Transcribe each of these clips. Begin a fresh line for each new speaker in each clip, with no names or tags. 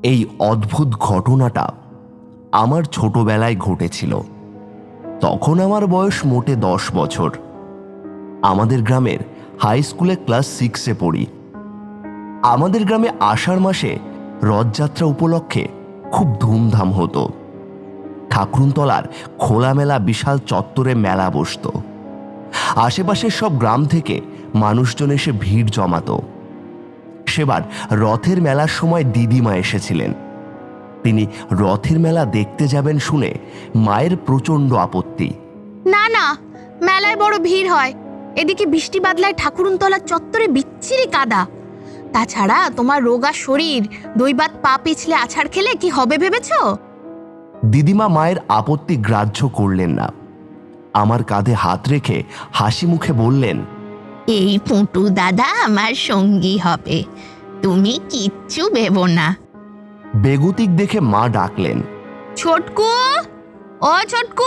এই অদ্ভুত ঘটনাটা আমার ছোটবেলায় ঘটেছিল। তখন আমার বয়স মোটে 10 বছর। আমাদের গ্রামের হাই স্কুলে ক্লাস 6-এ পড়ি। আমাদের গ্রামে আষাঢ় মাসে রথযাত্রা উপলক্ষে খুব ধুমধাম হতো। ঠাকুরতলার খোলামেলা বিশাল চত্বরে মেলা বসত। আশেপাশের সব গ্রাম থেকে মানুষজন এসে ভিড় জমাতো। সেবার রথের মেলার সময় দিদিমা এসেছিলেন। তিনি রথের মেলা দেখতে যাবেন শুনে মায়ের প্রচণ্ড আপত্তি।
না না, মেলায় বড় ভিড় হয়, এদিকে বৃষ্টি বাদলায় ঠাকুরতলার চত্বরে বিচ্ছিরি কাদা। তাছাড়া তোমার রোগা শরীর, দৈবাত পা পিছলে আছাড় খেলে কি হবে ভেবেছো?
দিদিমা মায়ের আপত্তি গ্রাহ্য করলেন না। আমার কাঁধে হাত রেখে হাসি মুখে বললেন,
এই পুটু দাদা আমার সঙ্গী হবে, তুমি কিচ্ছু ভেবো না।
বেগতিক দেখে মা ডাকলেন,
ছোটকু, ও ছোটকু।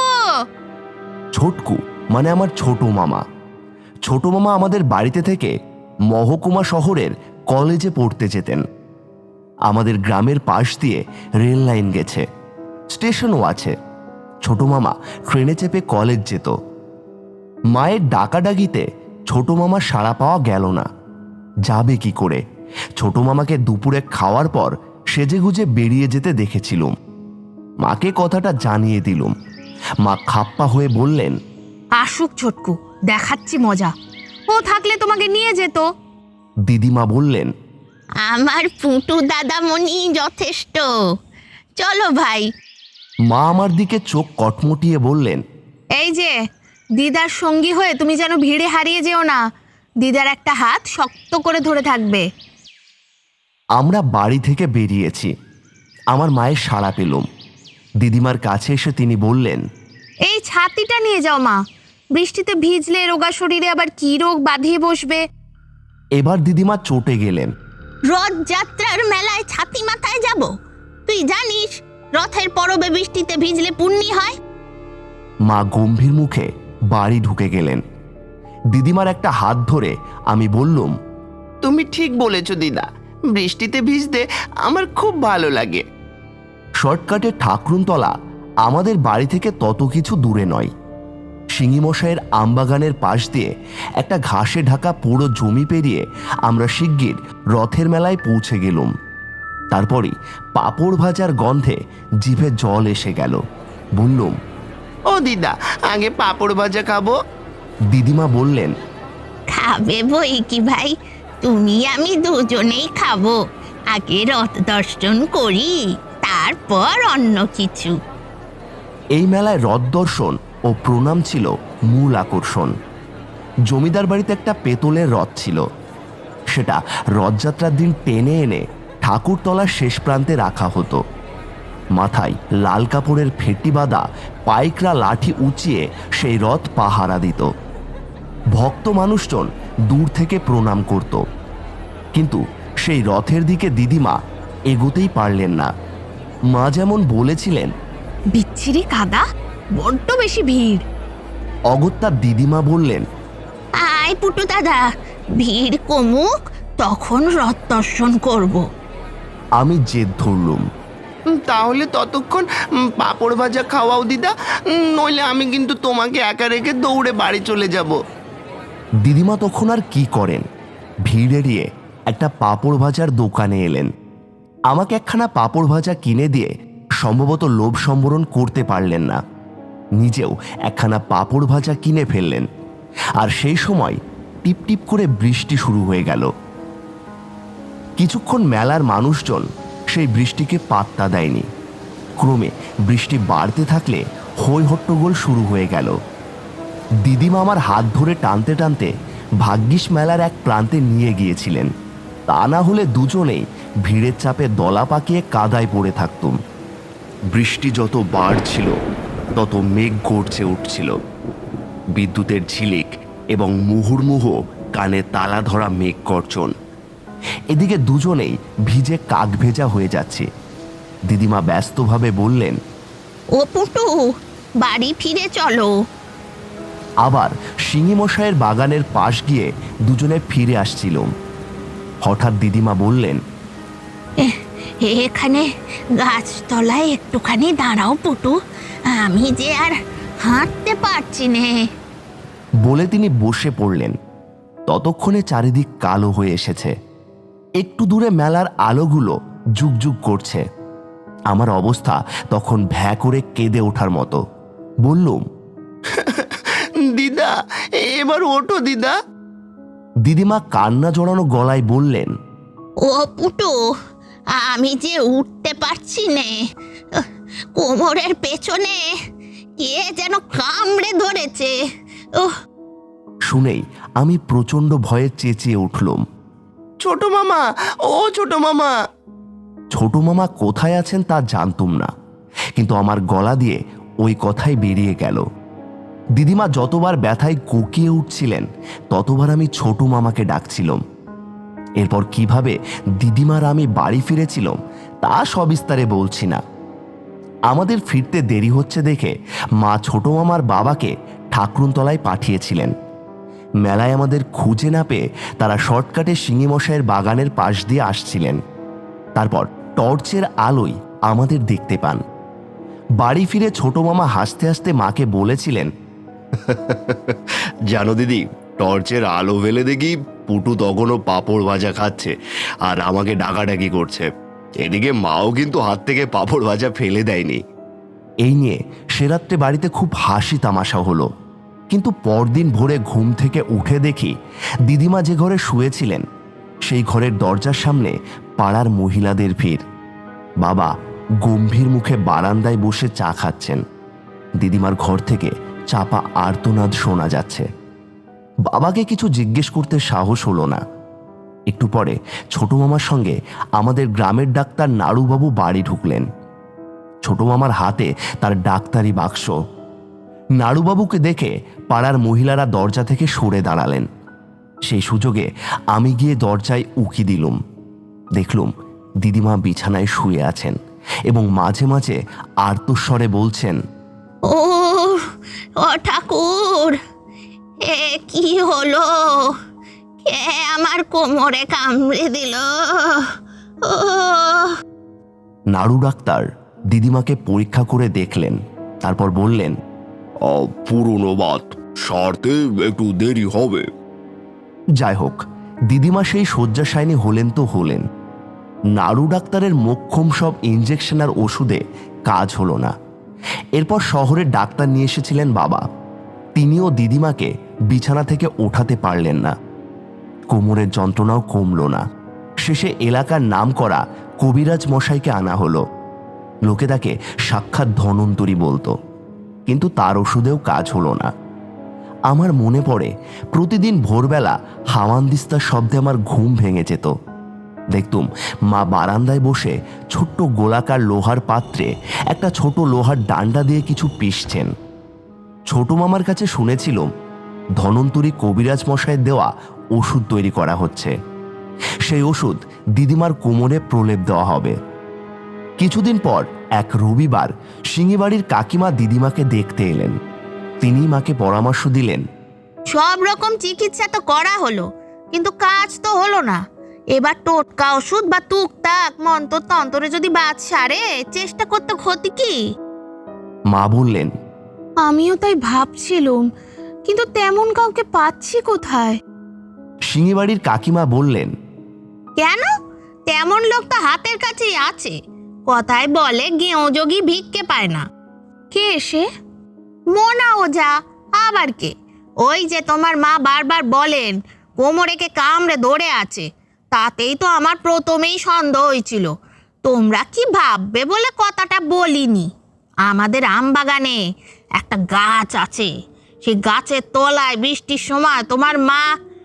ছোটকু মানে আমার ছোট মামা। ছোট মামা আমাদের বাড়িতে থেকে মহকুমা শহরের কলেজে পড়তে যেতেন। আমাদের গ্রামের পাশ দিয়ে রেল লাইন গেছে, স্টেশনও আছে। ছোট মামা ট্রেনে চেপে কলেজ যেত। মায়ের ডাকাডাকিতে ছোট মামা সাড়া পাওয়া গেল না। যাবে কি করে? ছোট মামাকে দুপুরে খাওয়ার পর সেজেগুজে বেরিয়ে যেতে দেখেছিলুম। মাকে কথাটা জানিয়ে দিলুম। মা খাপ্পা হয়ে বললেন,
আসুক ছোটকু, দেখাচ্ছি মজা, ও থাকলে তোমাকে নিয়ে যেত।
দিদিমা বললেন,
আমার পুটু দাদামণি যথেষ্ট, চলো ভাই।
মা আমার দিকে চোখ কটমটিয়ে বললেন,
এই যে দিদার সঙ্গী হয়ে তুমি যেন ভিড়ে হারিয়ে যেও না, দিদার একটা হাত শক্ত করে ধরে থাকবে।
আমরা বাড়ি থেকে বেরিয়েছি। আমার মায়ের সাড়া পেলুম। দিদিমার কাছে এসে তিনি বললেন,
এই ছাতিটা নিয়ে যাও মা, বৃষ্টিতে ভিজলে রোগা শরীরে আবার কি রোগ বাঁধিয়ে বসবে।
এবার দিদিমা চটে গেলেন।
রথযাত্রার মেলায় ছাতি মাথায় যাব? তুই জানিস রথের পরবে বৃষ্টিতে ভিজলে পুণ্যি হয়?
মা গম্ভীর মুখে বাড়ি ঢুকে গেলেন। দিদিমার একটা হাত ধরে আমি বললুম,
তুমি ঠিক বলেছ দিদা, বৃষ্টিতে ভিজতে আমার খুব ভালো লাগে।
শর্টকাটে ঠাকুরতলা আমাদের বাড়ি থেকে তত কিছু দূরে নয়। শিঙিমশাইয়ের আমবাগানের পাশ দিয়ে একটা ঘাসে ঢাকা পুরো জমি পেরিয়ে আমরা শিগগির রথের মেলায় পৌঁছে গেলুম। তারপরই পাঁপড় ভাজার গন্ধে জিভে জল এসে গেল। বললুম,
ও দিদা, আগে পাঁপড় ভাজা খাবো।
দিদিমা বললেন,
খাবে বই কি ভাই, তুমি আমি দুজনেই খাবো। আগে রথ দর্শন করি, তারপর অন্য কিছু।
এই মেলায় রথ দর্শন ও প্রণাম ছিল মূল আকর্ষণ। জমিদার বাড়িতে একটা পেতলের রথ ছিল। সেটা রথযাত্রার দিন টেনে এনে ঠাকুরতলার শেষ প্রান্তে রাখা হতো। মাথায় লাল কাপড়ের ফেটি বাঁধা পাইকরা লাঠি উঁচিয়ে সেই রথ পাহারা দিত। ভক্ত মানুষজন দূর থেকে প্রণাম করত। কিন্তু সেই রথের দিকে দিদিমা এগোতেই পারলেন না। মা যেমন বলেছিলেন,
বিচ্ছিরি কাদা, বড্ড বেশি ভিড়।
অগত্যা দিদিমা বললেন,
আয় পুটু দাদা, ভিড় কমুক, তখন রথ দর্শন করব।
আমি জেদ ধরলুম।
তাহলে ততক্ষণ পাঁপড় ভাজা খাওয়াও দিদা, নইলে আমি কিন্তু তোমাকে একা রেখে দৌড়ে বাড়ি চলে যাব।
দিদিমা তখন আর কি করেন, ভিড় এড়িয়ে একটা পাঁপড় ভাজার দোকানে এলেন। আমাকে একখানা পাঁপড় ভাজা কিনে দিয়ে সম্ভবত লোভ সম্বরণ করতে পারলেন না। নিজেও একখানা পাঁপড় ভাজা কিনে ফেললেন। আর সেই সময় টিপ টিপ করে বৃষ্টি শুরু হয়ে গেল। কিছুক্ষণ মেলার মানুষজন সেই বৃষ্টিকে পাত্তা দেয়নি। ক্রমে বৃষ্টি বাড়তে থাকলে হৈ হট্টগোল শুরু হয়ে গেল। দিদিমা আমার হাত ধরে টানতে টানতে ভাগ্যিস মেলার এক প্রান্তে নিয়ে গিয়েছিলেন। তা না হলে দুজনেই ভিড়ের চাপে দলা পাকিয়ে কাদায় পড়ে থাকতুম। বৃষ্টি যত বাড়ছিল তত মেঘ গর্জে উঠছিল। বিদ্যুতের ঝিলিক এবং মুহুর্মুহু কানে তালা ধরা মেঘ গর্জন। এদিকে দুজনেই ভিজে কাক ভেজা হয়ে যাচ্ছে। দিদিমা ব্যস্তভাবে বললেন,
ও পুটু, বাড়ি ফিরে চলো।
আবার শিঙিমশাইয়ের বাগানের পাশ গিয়ে দুজনে ফিরে আসছিলাম। হঠাৎ দিদিমা বললেন,
এখানে গাছতলায় একটুখানি দাঁড়াও পুটু, আমি যে আর হাঁটতে পারছি নে।
বলে তিনি বসে পড়লেন। ততক্ষণে চারিদিক কালো হয়ে এসেছে। একটু দূরে মেলার আলোগুলো জুগজুগ করছে। আমার অবস্থা তখন ভ্যা করে কেঁদে ওঠার মতো। বললুম,
দিদা এবার ওঠো দিদা।
দিদিমা কান্না জড়ানো গলায় বললেন,
ও পুটু, আমি যে উঠতে পারছি নে, কোমরের পেছনে কে যেন কামড়ে ধরেছে।
শুনেই আমি প্রচণ্ড ভয়ে চেঁচিয়ে উঠলুম।
ছোট মামা, ও ছোট মামা।
ছোট মামা কোথায় আছেন তা জানতুম না, কিন্তু আমার গলা দিয়ে ওই কথাই বেরিয়ে গেল। দিদিমা যতবার ব্যথায় কুকিয়ে উঠছিলেন ততবার আমি ছোট মামাকে ডাকছিলাম। এরপর কিভাবে দিদিমার আমি বাড়ি ফিরেছিলাম তা সবিস্তারে বলছি না। আমাদের ফিরতে দেরি হচ্ছে দেখে মা ছোট মামার বাবাকে ঠাকুরতলায় পাঠিয়েছিলেন। মেলায় আমাদের খুঁজে না পেয়ে তারা শর্টকাটে শিঙিমশাইয়ের বাগানের পাশ দিয়ে আসছিলেন। তারপর টর্চের আলোয় আমাদের দেখতে পান। বাড়ি ফিরে ছোট মামা হাসতে হাসতে মাকে বলেছিলেন,
জানো দিদি, টর্চের আলো ফেলে দেখি পুটু তখনও পাঁপড় ভাজা খাচ্ছে আর আমাকে ডাকাডাকি করছে। এদিকে মাও কিন্তু হাত থেকে পাঁপড় ভাজা ফেলে দেয়নি।
এই নিয়ে সে রাত্রে বাড়িতে খুব হাসি তামাশা হলো। কিন্তু পরদিন ভোরে ঘুম থেকে উঠে দেখি দিদিমা যে ঘরে শুয়েছিলেন সেই ঘরের দরজার সামনে পাড়ার মহিলাদের ভিড়। বাবা গম্ভীর মুখে বারান্দায় বসে চা খাচ্ছেন। দিদিমার ঘর থেকে চাপা আর্তনাদ শোনা যাচ্ছে। বাবাকে কিছু জিজ্ঞেস করতে সাহস হলো না। একটু পরে ছোট মামার সঙ্গে আমাদের গ্রামের ডাক্তার নাড়ুবাবু বাড়ি ঢুকলেন। ছোট মামার হাতে তার ডাক্তারি বাক্স। নাড়ুবাবুকে দেখে পাড়ার মহিলারা দরজা থেকে সরে দাঁড়ালেন। সেই সুযোগে আমি গিয়ে দরজায় উকি দিলুম। দেখলুম দিদিমা বিছানায় শুয়ে আছেন এবং মাঝে মাঝে আর্তস্বরে বলছেন,
ও ও ঠাকুর, এ কি হলো? কে আমার কোমরে কামড়ে দিল? ও
নাড়ু ডাক্তার দিদিমাকে পরীক্ষা করে দেখলেন। তারপর বললেন,
পুরনো বাত সারতে একটু দেরি হবে।
যাই হোক, দিদিমা সেই শয্যাশায়িনী হলেন তো হলেন। নাড়ু ডাক্তারের মোক্ষম সব ইঞ্জেকশন আর ওষুধে কাজ হলো না। এরপর শহরের ডাক্তার নিয়ে এসেছিলেন বাবা। তিনিও দিদিমাকে বিছানা থেকে ওঠাতে পারলেন না। কোমরের যন্ত্রণাও কমল না। শেষে এলাকার নাম করা কবিরাজ মশাইকে আনা হলো। লোকে তাকে সাক্ষাৎ ধনন্তরী বলতো, কিন্তু তার ওষুধেও কাজ হলো না। আমার মনে পড়ে প্রতিদিন ভোরবেলা হাওয়ানদিস্তার শব্দে আমার ঘুম ভেঙে যেত। দেখতুম মা বারান্দায় বসে ছোট্ট গোলাকার লোহার পাত্রে একটা ছোট লোহার ডান্ডা দিয়ে কিছু পিষছেন। ছোট মামার কাছে শুনেছিলাম ধনন্তরী কবিরাজ মশাইয়ের দেওয়া ওষুধ তৈরি করা হচ্ছে। সেই ওষুধ দিদিমার কোমরে প্রলেপ দেওয়া হবে। কিছুদিন পর এক রবিবার সিঙ্গিবাড়ির কাকিমা দিদিমাকে দেখতে এলেন। তিনি মাকে পরামর্শ দিলেন,
সব রকম চিকিৎসা তো করা হলো, কিন্তু কাজ তো হলো না। এবার টোটকা ওষুধ বা টুকটাক মন্তর তন্তরে যদি বাদ সারে চেষ্টা করতে ক্ষতি কি?
মা বললেন,
আমিও তাই ভাবছিলুম, কিন্তু তেমন কাউকে পাচ্ছি কোথায়?
সিঙ্গিবাড়ির কাকিমা বললেন,
কেন? তেমন লোক তো হাতের কাছেই আছে। কথায় বলে গেঁয়ো যোগী ভিক্ষে পায় না। কে সে? মোনা ওঝা। আবার কে? ওই যে তোমার মা বারবার বলেন কোমরে কে কামড়ে ধরে আছে, তাতেই তো আমার প্রথমেই সন্দেহ হয়েছিল। তোমরা কি ভাববে বলে কথাটা বলিনি। আমাদের আমবাগানে একটা গাছ আছে, সেই গাছের তলায় বৃষ্টির সময় তোমার মা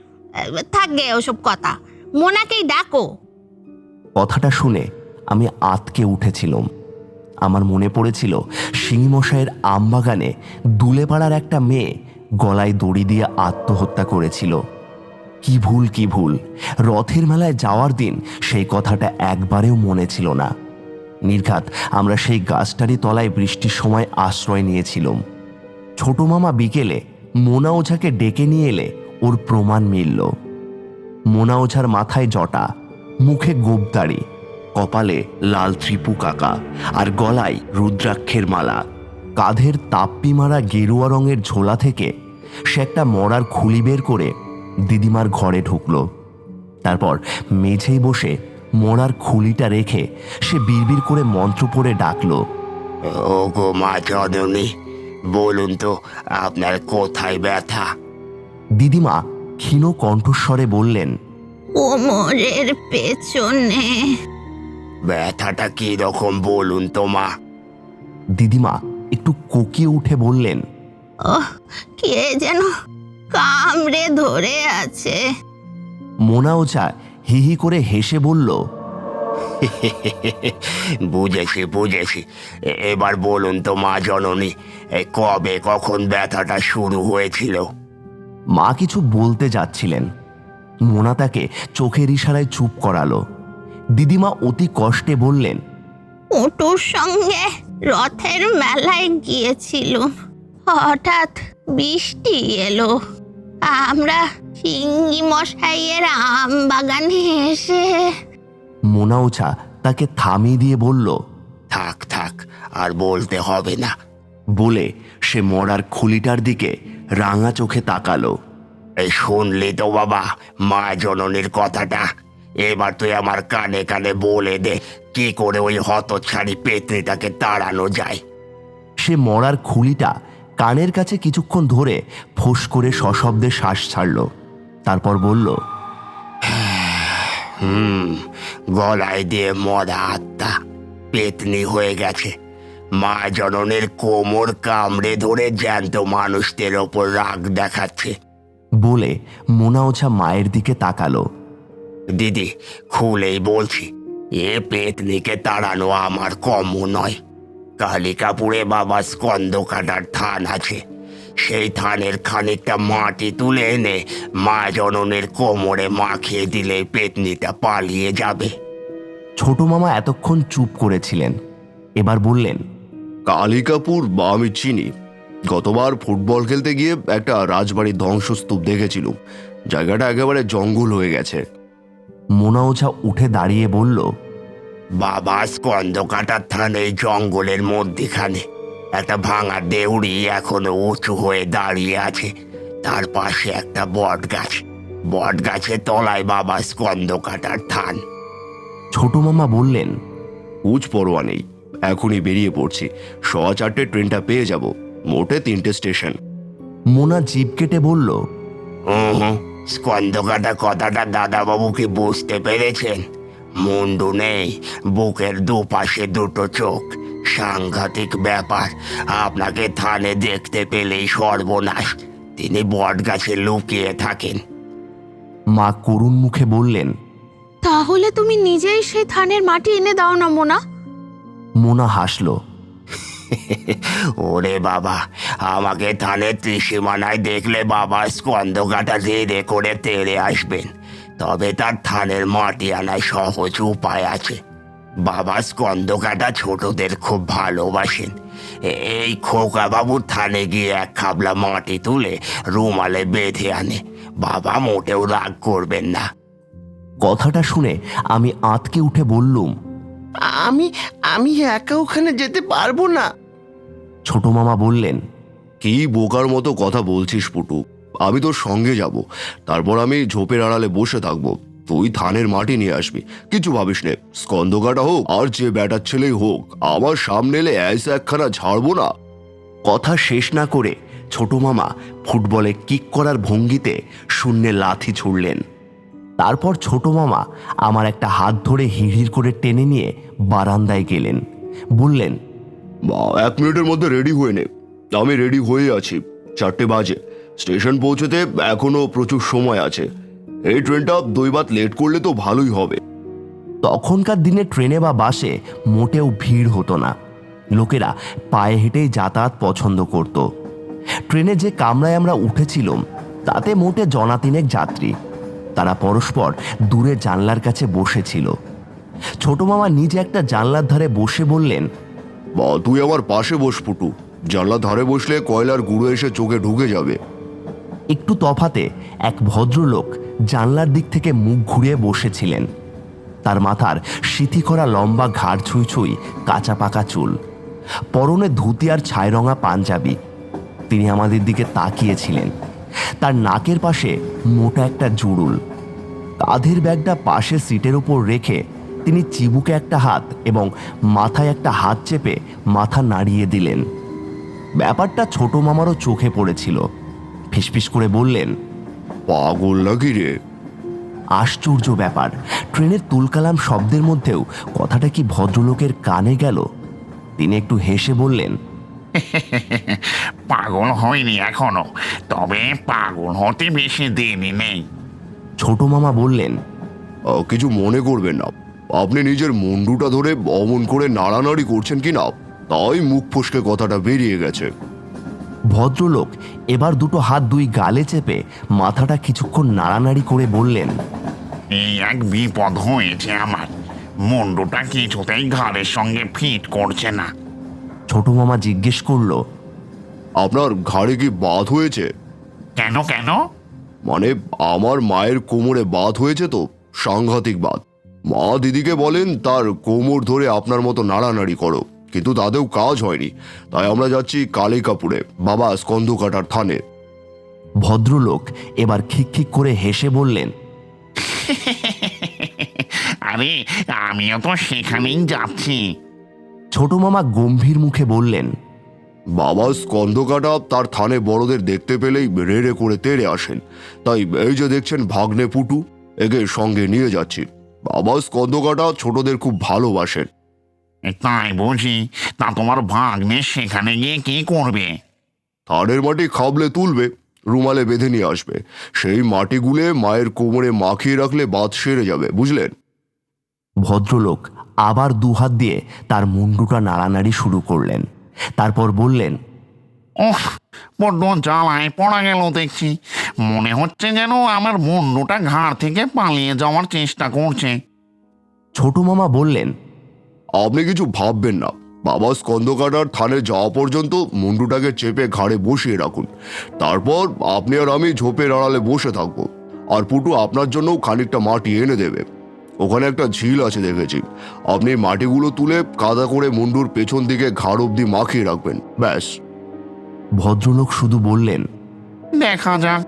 থাকবে। ওসব কথা, মোনাকেই ডাকো।
কথাটা শুনে আমি আতকে উঠেছিলাম। আমার মনে পড়েছিল সিংমশাইয়ের আমবাগানে দুলেপাড়ার একটা মেয়ে গলায় দড়ি দিয়ে আত্মহত্যা করেছিল। কি ভুল কি ভুল! রথের মেলায় যাওয়ার দিন সেই কথাটা একবারেও মনে ছিল না। নির্ঘাত আমরা সেই গাছটারই তলায় বৃষ্টির সময় আশ্রয় নিয়েছিলাম। ছোট মামা বিকেলে মোনা ওঝাকে ডেকে নিয়ে এলে ওর প্রমাণ মিলল। মোনা ওঝার মাথায় জটা, মুখে গোবদাড়ি, কপালে লাল ত্রিপু কাকা আর গলায় রুদ্রাক্ষের মালা। কাঁধের তাপ্পি মারা গেরুয়া রঙের ঝোলা থেকে সে একটা মরার খুলি বের করে দিদিমার ঘরে ঢুকল। তারপর মেঝেই বসে মরার খুলিটা রেখে সে বিড়বিড় করে মন্ত্র পড়ে ডাকল,
ও গো মা জননী, বলুন তো আপনার কোথায় ব্যথা?
দিদিমা ক্ষীণ কণ্ঠস্বরে বললেন,
কোমরের পেছনে।
ব্যথাটা কি রকম বলুন তো মা?
দিদিমা একটু কোকিয়ে উঠে বললেন,
কে যেন কামড়ে ধরে আছে।
মোনা ওঝা হি হি করে হেসে বলল,
বুঝেছি বুঝেছি, এবার বলুন তো মা জননী, কবে কখন ব্যথাটা শুরু হয়েছিল?
মা কিছু বলতে যাচ্ছিলেন। মোনা তাকে চোখের ইশারায় চুপ করালো। দিদিমা অতি কষ্টে বললেন,
পুটুর সঙ্গে রথের মেলায় গিয়েছিল, হঠাৎ বৃষ্টি এলো। আমরা সিঙ্গি মশাইয়ের আম বাগানে এসে।
মোনা ওঝা তাকে থামিয়ে দিয়ে বলল,
থাক থাক, আর বলতে হবে না।
বলে সে মরার খুলিটার দিকে রাঙা চোখে তাকালো।
এই শুনলি তো বাবা মা জননীর কথাটা? এবার তুই আমার কানে কানে বলে দে কি করে ওই হতচ্ছাড়ি পেতনিটাকে তাড়ানো যায়।
সে মরার খুলিটা কানের কাছে কিছুক্ষণ ধরে ফোঁস করে সশব্দে শ্বাস ছাড়ল। তারপর বলল,
গলায় দিয়ে মরা আত্মা পেতনি হয়ে গেছে। মা জননীর কোমর কামড়ে ধরে জ্যান্ত মানুষদের ওপর রাগ দেখাচ্ছে।
বলে মোনা ওঝা মায়ের দিকে তাকালো।
দিদি, খুলেই বলছি, এ পেতনিকে তাড়ানো আমার কম্য নয়। কালিকাপুরে বাবা স্কন্দ কাটার থান আছে, সেই থানের খানিকটা মাটি তুলে এনে মা জননীর কোমরে মাখিয়ে দিলে পেতনিটা পালিয়ে যাবে।
ছোট মামা এতক্ষণ চুপ করেছিলেন, এবার বললেন,
কালিকাপুর বা আমি চিনি। গতবার ফুটবল খেলতে গিয়ে একটা রাজবাড়ির ধ্বংসস্তূপ দেখেছিলাম। জায়গাটা একেবারে জঙ্গল হয়ে গেছে।
মোনা ওঝা উঠে দাঁড়িয়ে বলল,
বাবা স্কন্দ কাটার থানে জঙ্গলের মধ্যিখানে একটা ভাঙা দেউড়ি এখনো উঁচু হয়ে দাঁড়িয়ে আছে। তার পাশে একটা বট গাছ, বট গাছের তলায় বাবা স্কন্দ কাটার থান।
ছোট মামা বললেন,
কুচ পরোয়া নেই, এখনই বেরিয়ে পড়ছি। 4:15 ট্রেনটা পেয়ে যাব, মোটে 3টে স্টেশন।
মোনা জিভ কেটে বলল,
স্কন্দ কাটা কথাটা দাদাবাবু কি বুঝতে পেরেছেন? মুন্ডু নেই, বুকের দুপাশে দুটো চোখ, সাংঘাতিক ব্যাপার। আপনাকে থানে দেখতে পেলেই সর্বনাশ। তিনি বট গাছে লুকিয়ে থাকেন।
মা করুণ মুখে বললেন,
তাহলে তুমি নিজেই সেই থানের মাটি এনে দাও না মোনা।
মোনা হাসল।
ওরে বাবা, আমাকে থানের ত্রিসীমানায় দেখলে বাবা স্কন্দ কাটা ধীরে করে তেড়ে আসবেন। তবে তার থানের মাটি আনায় সহজ উপায় আছে। বাবা স্কন্দ কাটা ছোটদের খুব ভালোবাসেন। এই খোকা বাবুর থানে গিয়ে এক খাবলা মাটি তুলে রুমালে বেঁধে আনে। বাবা মোটেও রাগ করবেন না।
কথাটা শুনে আমি আঁতকে উঠে বললুম,
আমি আমি একা ওখানে যেতে পারবো না।
ছোট মামা বললেন,
কি বোকার মতো কথা বলছিস পুটু? আমি তোর সঙ্গে যাব, তারপর আমি ঝোপের আড়ালে বসে থাকবো। তুই থানের মাটি নিয়ে আসবি, কিছু ভাবিস নে। স্কন্দ কাটা হোক আর যে ব্যাটার ছেলেই হোক, আমার সামনে এলে এসে একখানা ছাড়বো না।
কথা শেষ না করে ছোট মামা ফুটবলে কিক করার ভঙ্গিতে শূন্যে লাথি ছুড়লেন। তারপর ছোট মামা আমার একটা হাত ধরে হিড়হিড় করে টেনে নিয়ে বারান্দায় গেলেন। বললেন,
1 মিনিটের মধ্যে রেডি হয়ে নে। আমি রেডি হয়ে আছি, 4টে বাজে। স্টেশন পৌঁছতে এখনো প্রচুর সময় আছে। এই ট্রেনটা 2 বাত লেট করলে তো ভালোই হবে।
তখনকার দিনে ট্রেনে বা বাসে মোটেও ভিড় হতো না। লোকেরা পায়ে হেঁটেই যাতায়াত পছন্দ করত। ট্রেনে যে কামরায় আমরা উঠেছিলাম তাতে মোটে জনাতিনেক যাত্রী। তারা পরস্পর দূরে জানলার কাছে বসেছিল। ছোট মামা নিজে একটা জানলার ধারে বসে বললেন,
তুই আমার পাশে বস পুটু। জানলার ধারে বসলে কয়লার গুঁড়ো এসে চোখে ঢুকে যাবে।
একটু তফাতে এক ভদ্রলোক জানলার দিক থেকে মুখ ঘুরিয়ে বসেছিলেন। তার মাথার সিথি করা লম্বা ঘাড় ছুঁই ছুঁই কাঁচা পাকা চুল, পরনে ধুতি আর ছাইরঙা পাঞ্জাবি। তিনি আমাদের দিকে তাকিয়েছিলেন। তার নাকের পাশে মোটা একটা জুড়ুল। কাঁধের ব্যাগটা পাশে সিটের উপর রেখে তিনি চিবুকে একটা হাত এবং মাথায় একটা হাত চেপে মাথা নাড়িয়ে দিলেন। ব্যাপারটা ছোট মামারও চোখে পড়েছিল। ফিসফিস করে বললেন,
পাগল নাকি রে?
আশ্চর্য ব্যাপার, ট্রেনের তুলকালাম শব্দের মধ্যেও কথাটা কি ভদ্রলোকের কানে গেল? তিনি একটু হেসে বললেন,
পাগল হয়নি এখনো, তবে পাগল হতে বেশি দেরি নেই।
ছোট মামা বললেন,
কিছু মনে করবেন না, আপনি নিজের মুন্ডুটা ধরে অমন করে নাড়ানাড়ি করছেন কি না, তাই মুখ ফসকে কথাটা বেরিয়ে গেছে।
ভদ্রলোক এবার দুটো হাত দুই গালে চেপে মাথাটা কিছুক্ষণ নাড়ানাড়ি করে বললেন,
এই এক বিপদ হয়েছে আমার, মুন্ডুটা কিছুতেই ঘাড়ের সঙ্গে ফিট করছে না।
ছোট মামা জিজ্ঞেস করলো,
আপনার ঘাড়ে কি বাত হয়েছে?
কেন কেন?
মানে আমার মায়ের কোমরে বাত হয়েছে তো, সাংঘাতিক বাত। মা দিদিকে বলেন তার কোমর ধরে আপনার মতো নাড়ানাড়ি করো, কিন্তু তাতেও কাজ হয়নি। তাই আমরা যাচ্ছি কালিকাপুরে বাবা স্কন্ধকাটার থানে।
ভদ্রলোক এবার খিকখিক করে হেসে বললেন,
আরে আমিও তো সেখানেই যাচ্ছি।
ছোট মামা গম্ভীর মুখে বললেন,
বাবা স্কন্ধকাটা তার থানে বড়দের দেখতে পেলেই রেড়ে করে তেড়ে আসেন। তাই এই যে দেখছেন ভাগ্নে পুটু, একে সঙ্গে নিয়ে যাচ্ছি। বাবা স্কন্ধকাটা ছোটদের খুব ভালোবাসেন।
তাই বুঝি? তা তোমার ভাগ্নে সেখানে গিয়ে কি করবে?
থানের মাটি খাবলে তুলবে, রুমালে বেঁধে নিয়ে আসবে। সেই মাটি গুলে মায়ের কোমরে মাখিয়ে রাখলে বাত সেরে যাবে, বুঝলেন?
ভদ্রলোক আবার দুহাত দিয়ে তার মুন্ডুটা নাড়ানাড়ি শুরু করলেন। তারপর বললেন,
ওহ, বড্ড জ্বালায় পড়া গেল দেখছি। মনে হচ্ছে যেন আমার মুন্ডুটা ঘাড় থেকে পালিয়ে যাওয়ার চেষ্টা করছে।
ছোট মামা বললেন,
আপনি কিছু ভাববেন না। বাবা স্কন্ধকাটার থানে যাওয়া পর্যন্ত মুন্ডুটাকে চেপে ঘাড়ে বসিয়ে রাখুন। তারপর আপনি আর আমি ঝোপের আড়ালে বসে থাকবো। আর পুটু আপনার জন্যও খানিকটা মাটি এনে দেবে। ওখানে একটা ঝিল আছে দেখেছি। আপনি মাটিগুলো তুলে কাদা করে মুন্ডুর পেছন দিকে ঘাড় অবধি মাখিয়ে রাখবেন, ব্যাস।
ভদ্রলোক শুধু বললেন,
দেখা যাক।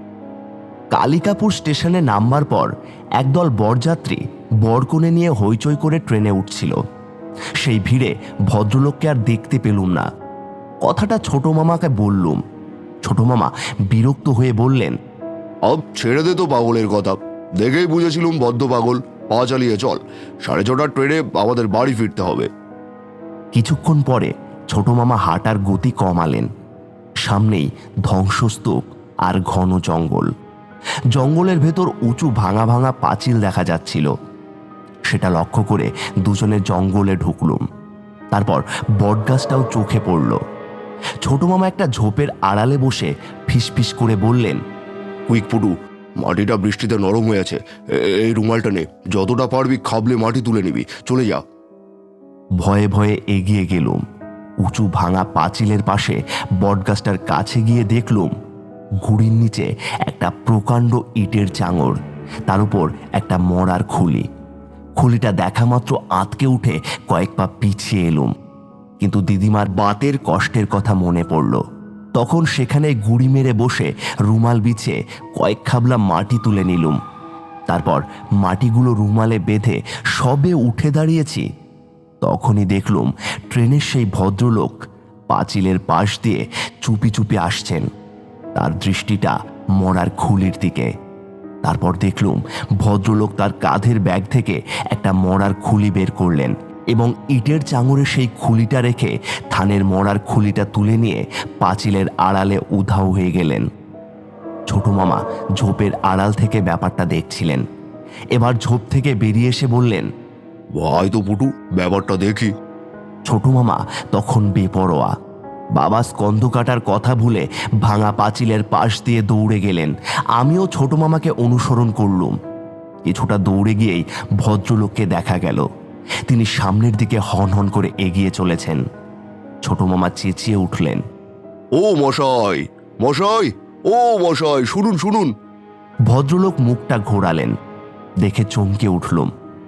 কালিকাপুর স্টেশনে নামবার পর একদল বরযাত্রী বরকনে নিয়ে হইচই করে ট্রেনে উঠছিল। সেই ভিড়ে ভদ্রলোককে আর দেখতে পেলুম না। কথাটা ছোট মামাকে বললুম। ছোট মামা বিরক্ত হয়ে বললেন,
আব ছেড়ে দে তো পাগলের কথা, দেখেই বুঝেছিলুম বদ্ধ পাগল। পা চালিয়ে চল, 6:30 ট্রেনে আমাদের বাড়ি ফিরতে হবে।
কিছুক্ষণ পরে ছোট মামা হাঁটার গতি কমালেন। সামনেই ধ্বংসস্তূপ আর ঘন জঙ্গল। জঙ্গলের ভেতর উঁচু ভাঙা ভাঙা পাঁচিল দেখা যাচ্ছিল। সেটা লক্ষ্য করে দুজনে জঙ্গলে ঢুকলুম। তারপর বটগাছটাও চোখে পড়ল। ছোট মামা একটা ঝোপের আড়ালে বসে ফিসফিস করে বললেন,
কুইক পুটু, মাটিটা বৃষ্টিতে নরম হয়ে আছে। এই রুমালটা নে, যতটা পারবি খাবলে মাটি তুলে নিবি, চলে যা।
ভয়ে ভয়ে এগিয়ে গেলুম। উঁচু ভাঙা পাঁচিলের পাশে বটগাছটার কাছে গিয়ে দেখলুম গুড়ির নিচে একটা প্রকাণ্ড ইটের চাঙড়, তার উপর একটা মরার খুলি। খুলিটা দেখা মাত্র আঁতকে উঠে কয়েক পা পিছিয়ে এলুম। কিন্তু দিদিমার বাতের কষ্টের কথা মনে পড়ল। তখন সেখানে গুড়ি মেরে বসে রুমাল বিছিয়ে কয়েক খাবলা মাটি তুলে নিলুম। তারপর মাটিগুলো রুমালে বেঁধে সবে উঠে দাঁড়িয়েছি। তখনই দেখলুম ট্রেনের সেই ভদ্রলোক পাঁচিলের পাশ দিয়ে চুপি চুপি আসছেন। তার দৃষ্টিটা মরার খুলির দিকে। তারপর দেখলুম ভদ্রলোক তার কাঁধের ব্যাগ থেকে একটা মরার খুলি বের করলেন এবং ইটের চাঙড়ে সেই খুলিটা রেখে থানের মরার খুলিটা তুলে নিয়ে পাঁচিলের আড়ালে উধাও হয়ে গেলেন। ছোট মামা ঝোপের আড়াল থেকে ব্যাপারটা দেখছিলেন। এবার ঝোপ থেকে বেরিয়ে এসে বললেন,
ভাই তো পুটু, ব্যাপারটা দেখি।
ছোট মামা তখন বেপরোয়া। বাবা স্কন্ধ কাটার কথা ভুলে ভাঙা পাঁচিলের পাশ দিয়ে দৌড়ে গেলেন। আমিও ছোট মামাকে অনুসরণ করলুম। কিছুটা দৌড়ে গিয়েই ভদ্রলোককে দেখা গেল। তিনি সামনের দিকে হন হন করে এগিয়ে চলেছেন। ছোট মামা চেঁচিয়ে উঠলেন,
ও মশাই, মশাই, ও মশাই, শুনুন শুনুন।
ভদ্রলোক মুখটা ঘোরালেন। দেখে চমকে উঠলুম।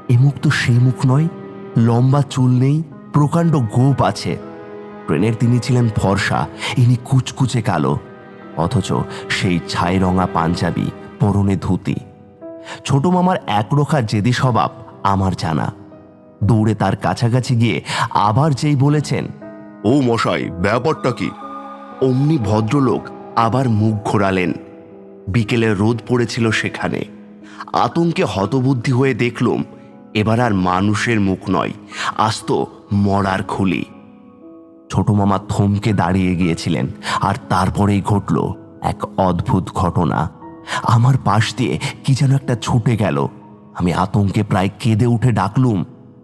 এ মুখ তো সেই মুখ নয়, লম্বা চুল নেই, প্রকাণ্ড গোপ আছে। ট্রেনের তিনি ছিলেন ফর্সা, ইনি কুচকুচে কালো, অথচ সেই ছাই রঙা পাঞ্জাবি, পরনে ধুতি। ছোট মামার একরোখা জেদি স্বভাব আমার জানা। দৌড়ে তার কাছাকাছি গিয়ে আবার যেই বলেছেন,
ও মশাই, ব্যাপারটা কি?
অমনি ভদ্রলোক আবার মুখ ঘোরালেন। বিকেলে রোদ পড়েছিল সেখানে। আতঙ্কে হতবুদ্ধি হয়ে দেখলুম এবার আর মানুষের মুখ নয়, আস্ত মরার খুলি। ছোট মামা থমকে দাঁড়িয়ে গিয়েছিলেন, আর তারপরেই ঘটল এক অদ্ভুত ঘটনা। আমার পাশ দিয়ে কি যেন একটা ছুটে গেল। আমি আতঙ্কে প্রায় কেঁদে উঠে ডাকলুম,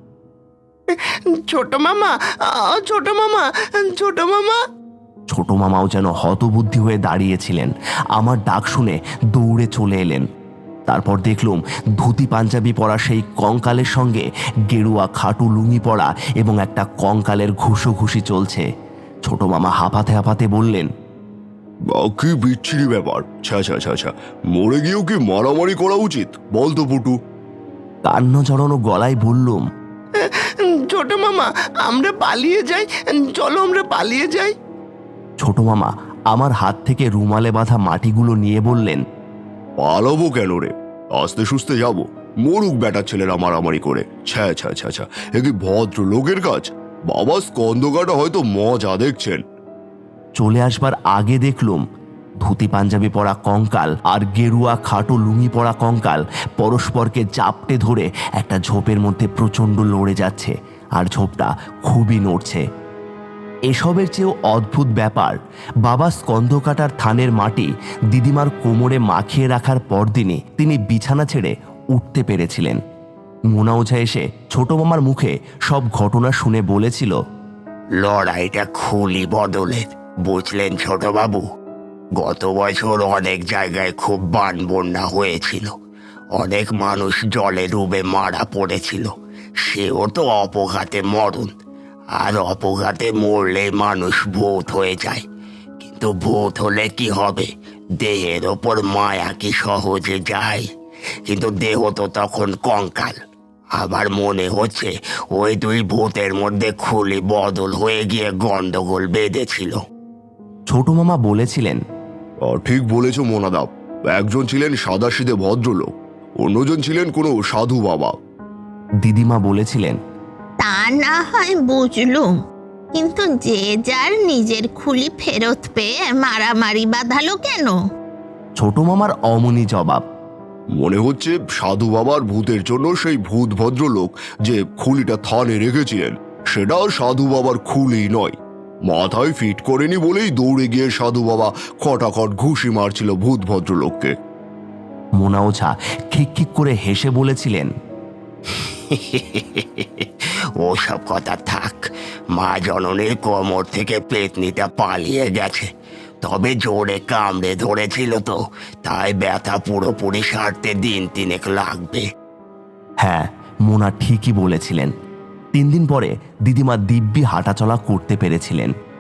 ছোট মামা, ছোট মামা, ছোট মামা।
ছোট মামাও যেন হতবুদ্ধি হয়ে দাঁড়িয়েছিলেন। আমার ডাক শুনে দৌড়ে চলে এলেন। তারপর দেখলুম ধুতি পাঞ্জাবি পরা সেই কঙ্কালের সঙ্গে গেরুয়া খাটু লুঙ্গি পরা এবং একটা কঙ্কালের ঘুষোঘুষি চলছে। ছোট মামা হাঁপাতে হাঁপাতে বললেন,
কি বিচ্ছিরি ব্যাপার! ছা ছা ছা ছা, মরে গিয়েও কি মারামারি করা উচিত? বল তো পুটু।
কান্না জড়ানো গলায় বললুম,
ছোট মামা, আমরা পালিয়ে যাই, চলো আমরা পালিয়ে যাই।
ছোট মামা আমার হাত থেকে রুমালে বাঁধা মাটিগুলো নিয়ে বললেন,
পালাবো কেন রে? আস্তে সুস্তে যাব। মরুক বেটার ছেলেরা মারামারি করে। ছ্যা ছ্যা ছ্যা ছ্যা, এ কি ভদ্র লোকের কাজ? বাবা স্কন্দকাটা হয়তো মজা দেখছেন।
চলে আসবার আগে দেখলুম ধুতি পাঞ্জাবি পরা কঙ্কাল আর গেরুয়া খাটো লুঙ্গি পরা কঙ্কাল পরস্পরকে জাপটে ধরে একটা ঝোপের মধ্যে প্রচণ্ড লড়ে যাচ্ছে, আর ঝোপটা খুবই নড়ছে। এসবের চেয়েও অদ্ভুত ব্যাপার, বাবা স্কন্দকাটার থানের মাটি দিদিমার কোমরে মাখিয়ে রাখার পরদিনই তিনি বিছানা ছেড়ে উঠতে পেরেছিলেন। মোনা ওঝা এসে ছোট মামার মুখে সব ঘটনা শুনে বলেছিল,
লড়াইটা খুলি বদলের, বুঝলেন ছোট বাবু? গত বছর অনেক জায়গায় খুব বান বন্যা হয়েছিল, অনেক মানুষ জলে ডুবে মারা পড়েছিল। সেও তো অপঘাতে মরণ, আর অপঘাতে মরলে মানুষ ভূত হয়ে যায়। কিন্তু ভূত হলে কি হবে? দেহের ওপর মায়া কি সহজে যায়? কিন্তু দেহ তো তখন কঙ্কাল। আমার মনে হচ্ছে ওই দুই ভূতের মধ্যে খুলি বদল হয়ে গিয়ে গন্ডগোল বেঁধেছিল।
ছোট মামা বলেছিলেন,
ঠিক বলেছ মোনাদাব। একজন ছিলেন সাদাসিধে ভদ্রলোক, অন্যজন ছিলেন কোনো সাধু বাবা।
দিদিমা বলেছিলেন,
তা না হয় বুঝলুম, কিন্তু যে যার নিজের খুলি ফেরত পেয়ে মারামারি বাঁধালো কেন?
ছোট মামার অমনি জবাব,
মনে হচ্ছে সাধু বাবার ভূতের জন্য সেই ভূত ভদ্রলোক যে খুলিটা থানে রেখেছিলেন সেটা সাধু বাবার খুলি নয়। মাথায় ফিট করেনি বলেই দৌড়ে গিয়ে সাধু বাবা খটাখট ঘুষি মারছিল ভূত ভদ্রলোককে।
মোনা ওঝা খিক করে হেসে বলেছিলেন,
ওসব কথা থাক। মা জননীর কোমর থেকে পেতনিটা পালিয়ে গেছে, তবে জোরে কামড়ে ধরেছিল তো, তাই ব্যথা পুরোপুরি সারতে দিন তিনেক লাগবে।
হ্যাঁ, মোনা ঠিকই বলেছিলেন। 3 দিন পরে দিদিমা দিব্যি হাঁটাচলা করতে পেরেছিলেন।